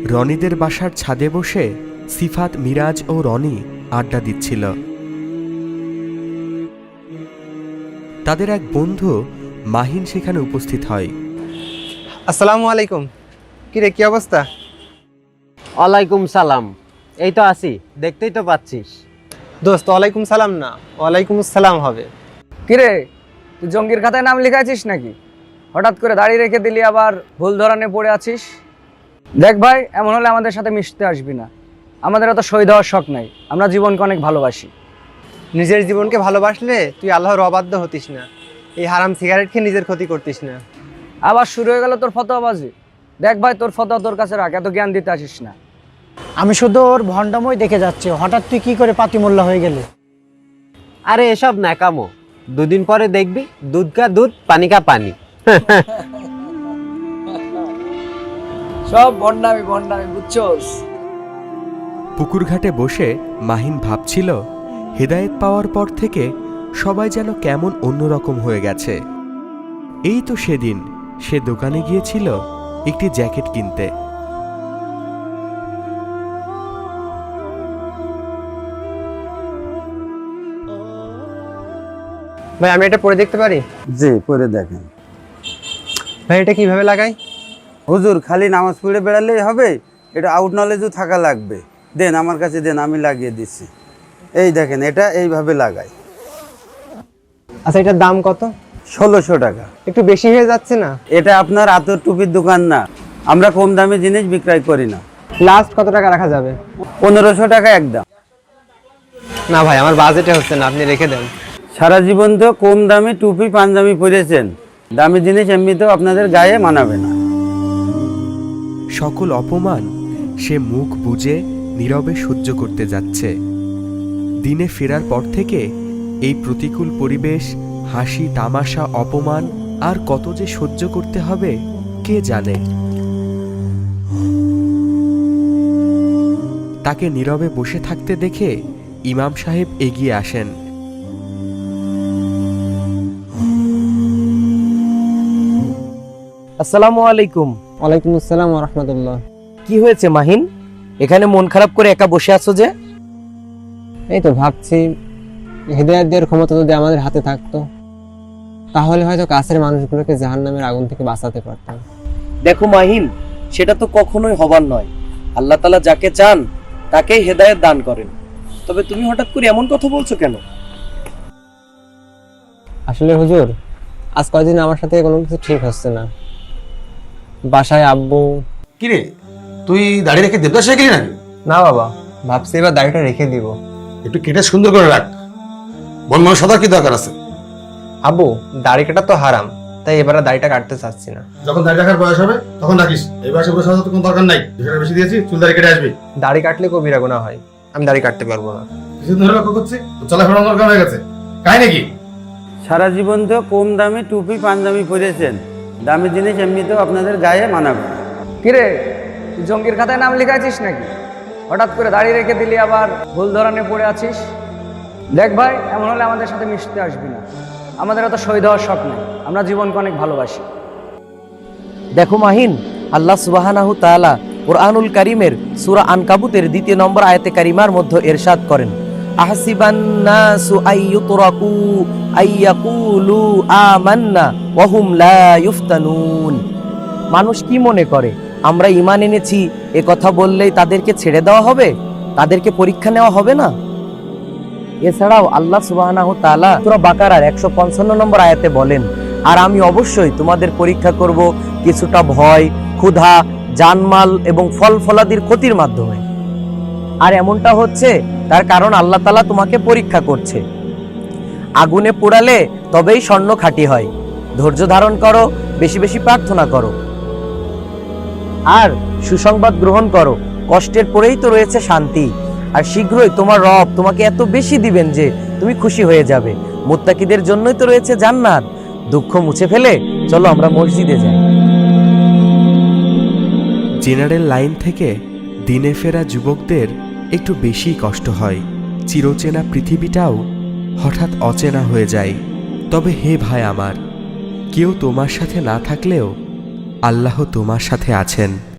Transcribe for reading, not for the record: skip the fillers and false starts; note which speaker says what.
Speaker 1: রনিদের বাসার ছাদে বসে সিফাত, মিরাজ ও রনি আড্ডা দিচ্ছিল। তাদের এক বন্ধু মাহিন সেখানে উপস্থিত হয়।
Speaker 2: আসসালামু আলাইকুম। কিরে, কি অবস্থা?
Speaker 3: ওয়ালাইকুম সালাম। এই তো আছি, দেখতেই তো পাচ্ছিস।
Speaker 2: দোস্ত, ওয়ালাইকুম সালাম না, ওয়ালাইকুম আসসালাম হবে।
Speaker 4: কিরে, তুই জঙ্গির খাতায় নাম লিখাইছিস নাকি? হঠাৎ করে দাড়ি রেখে দিলি, আবার ভুল ধরানে পড়ে আছিস। দেখ ভাই, এমন হলে আমাদের সাথে মিশতে আসবি না। আমাদের অত শহীদ হওয়ার শখ নাই, আমরা জীবনকে অনেক ভালোবাসি।
Speaker 2: নিজের জীবনকে ভালোবাসলে তুই আল্লাহর অবাধ্য হতিস না, এই হারাম সিগারেট খেয়ে নিজের ক্ষতি করতিস না।
Speaker 4: আবার শুরু হয়ে গেল তোর ফতোয়াবাজি। দেখ ভাই, তোর ফতোয়া তোর কাছে রাখ, এত জ্ঞান দিতে আসিস না।
Speaker 5: আমি শুধু ওর ভণ্ডামই দেখে যাচ্ছি, হঠাৎ তুই কি করে পাতিমোল্লা হয়ে গেলি?
Speaker 3: আরে এসব ন্যাকামো, দুদিন পরে দেখবি দুধ কা দুধ পানি কা পানি।
Speaker 4: সব ভণ্ডামি ভণ্ডামি, বুঝছোস?
Speaker 1: পুকুর ঘাটে বসে মাহিন ভাবছিল, হেদায়েত পাওয়ার পর থেকে সবাই যেন কেমন অন্যরকম হয়ে গেছে। এই তো সেদিন সে দোকানে গিয়েছিল একটি জ্যাকেট কিনতে।
Speaker 2: ভাই, আমি এটা পরে দেখতে পারি?
Speaker 6: জি, পরে দেখেন।
Speaker 2: ভাই, এটা কিভাবে লাগাই?
Speaker 6: হুজুর, খালি নামাজ পড়ে বেড়ালেই হবে? এটা আউট নলেজও থাকা লাগবে। দেন আমার কাছে দেন, আমি লাগিয়ে দিচ্ছি। এই দেখেন, এটা এইভাবে লাগাই।
Speaker 2: আচ্ছা, এটার দাম কত?
Speaker 6: 1600 টাকা।
Speaker 2: একটু বেশি হয়ে যাচ্ছে না?
Speaker 6: এটা আপনার আতর টুপির দোকান না, আমরা কম দামে জিনিস বিক্রয় করি না।
Speaker 2: লাস্ট কত টাকা রাখা যাবে?
Speaker 6: 1500 টাকা একদম।
Speaker 2: না ভাই, আমার বাজেটে হচ্ছে না, আপনি রেখে দেন।
Speaker 6: সারা জীবন তো কম দামি টুপি পাঞ্জাবি পরেছেন, দামি জিনিস এমনিতেও আপনাদের গায়ে মানাবে না।
Speaker 1: সকল অপমান সে মুখ বুজে নীরবে সহ্য করতে যাচ্ছে। দিনে ফেরার পর থেকে এই প্রতিকূল পরিবেশ, হাসি তামাশা, অপমান আর কত যে সহ্য করতে হবে কে জানে। তাকে নীরবে বসে থাকতে দেখে ইমাম সাহেব এগিয়ে আসেন।
Speaker 3: আসসালামু আলাইকুম।
Speaker 2: ওয়ালাইকুম আসসালাম ওয়া রাহমাতুল্লাহ।
Speaker 3: কি হয়েছে মাহিন, এখানে মন খারাপ করে একা বসে আছো যে?
Speaker 2: এই তো ভাবছি, হেদায়েত দেওয়ার ক্ষমতা যদি আমাদের হাতে থাকতো, তাহলে হয়তো কাছের মানুষগুলোকে জাহান্নামের আগুন থেকে বাঁচাতে পারতাম।
Speaker 7: দেখো মাহিন, সেটা তো কখনোই হবার নয়। আল্লাহ তাআলা যাকে চান তাকেই হেদায়েত দান করেন। তবে তুমি হঠাৎ করে এমন কথা বলছো কেন?
Speaker 2: আসলে হুজুর, আজ কয়েকদিন আমার সাথে কোনো কিছু ঠিক হচ্ছে না। বাসায় আব্বু...
Speaker 8: কিরে, তুই দাড়ি রেখে দেবদাস হয়ে গেলি নাকি?
Speaker 2: না বাবা, ভাবছি এবার দাড়িটা রেখে দিব।
Speaker 8: একটু কেটে সুন্দর করে রাখ, বন মানুষ সদার কি দরকার আছে?
Speaker 2: আব্বু, দাড়ি কাটা তো হারাম, তাই এবারে দাড়িটা কাটতে চাচ্ছি না।
Speaker 8: যখন দাড়ি রাখার বয়স হবে তখন রাখিস, এই বয়সে বসে তো কোনো দরকার নাই। যেখানে বেশি দিয়েছি চুল দাড়ি কেটে আসবি।
Speaker 2: দাড়ি কাটলে কবিরা গুনাহ হয়, আমি দাড়ি কাটতে পারবো না।
Speaker 8: কিছুদিন ধরে লক্ষ্য করছি চলাফেরা দরকার হয়ে গেছে, কাই নাকি?
Speaker 6: সারা জীবন তো কম দামি টুপি পাঞ্জাবি পরেছেন, দামি জিনিস এমনিতেও আপনাদের গায়ে মানাবে না।
Speaker 4: কিরে, তুই জঙ্গির খাতায় নাম লিখাইছিস নাকি? হঠাৎ করে দাড়ি রেখে দিলি, আবার ভুল ধরানে পড়ে আছিস। দেখ ভাই, এমন হলে আমাদের সাথে মিশতে আসবি না। আমাদের অত শহীদ হওয়ার শখ নাই, আমরা জীবনকে অনেক ভালোবাসি।
Speaker 3: দেখো মাহিন, আল্লাহ সুবহানাহু তাআলা কুরআনুল কারীমের সূরা আনকাবুতের 2 নম্বর আয়াতে কারিমার মধ্যে ইরশাদ করেন, আহসিবান নাসু আইয়ুতরাকু আইয়াকুলু আমান্না ওয়া হুম লা ইফতানুন। মানুষ কি মনে করে আমরা ঈমান এনেছি এ কথা বললেই তাদেরকে ছেড়ে দেওয়া হবে, তাদেরকে পরীক্ষা নেওয়া হবে না? এছাড়াও আল্লাহ সুবহানাহু তাআলা সূরা বাকারার 155 নম্বর আয়াতে বলেন, আর আমি অবশ্যই তোমাদের পরীক্ষা করব কিছুটা ভয়, ক্ষুধা, জানমাল এবং ফল ফলাদির ক্ষতির মাধ্যমে। আর এমনটা হচ্ছে তার কারণ আল্লাহ তাআলা তোমাকে পরীক্ষা করছে। আগুনে পোড়ালে তবেই স্বর্ণ খাঁটি হয়। ধৈর্য ধারণ করো, বেশি বেশি প্রার্থনা করো, আর সুসংবাদ গ্রহণ করো। কষ্টের পরেই তো রয়েছে শান্তি, আর শীঘ্রই তোমার রব তোমাকে এত বেশি দিবেন যে তুমি খুশি হয়ে যাবে। মুত্তাকিদের জন্যই তো রয়েছে জান্নাত। দুঃখ মুছে ফেলে চলো আমরা মসজিদে যাই।
Speaker 1: জেনারেল লাইন থেকে দিনে ফেরা যুবকদের একটু বেশি কষ্ট হয়। চিরচেনা পৃথিবীটাও হঠাৎ অচেনা হয়ে যায়। তবে হে ভাই আমার, কেউ তোমার সাথে না থাকলেও আল্লাহ তোমার সাথে আছেন।